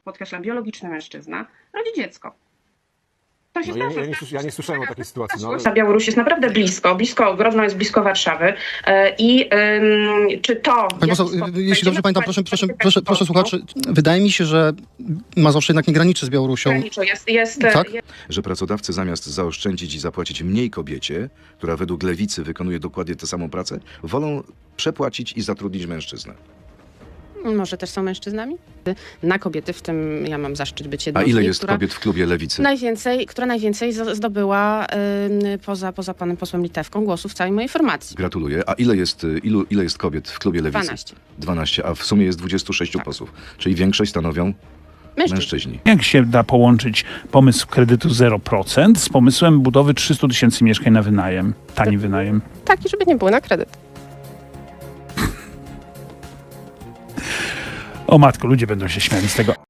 podkreślam, biologiczny mężczyzna rodzi dziecko. To się No, zdarza. ja nie słyszałem o takiej sytuacji. No, ale... Ta Białoruś jest naprawdę blisko, Grodno jest blisko Warszawy i czy to... Pani poseł, jeśli dobrze pamiętam, proszę słuchaczy, wydaje mi się, że Mazowsze jednak nie graniczy z Białorusią. Tak? Że pracodawcy zamiast zaoszczędzić i zapłacić mniej kobiecie, która według lewicy wykonuje dokładnie tę samą pracę, wolą przepłacić i zatrudnić mężczyznę. Może też są mężczyznami? Na kobiety, w tym ja mam zaszczyt być jedną A z ile nich, jest kobiet w klubie lewicy? która najwięcej zdobyła poza panem posłem Litewką głosów w całej mojej formacji. Gratuluję. A ile jest kobiet w klubie lewicy? 12. 12, a w sumie jest 26 Tak. posłów. Czyli większość stanowią mężczyźni. Jak się da połączyć pomysł kredytu 0% z pomysłem budowy 300 000 mieszkań na wynajem, tani wynajem? Taki, żeby nie było na kredyt. O matko, ludzie będą się śmiali z tego.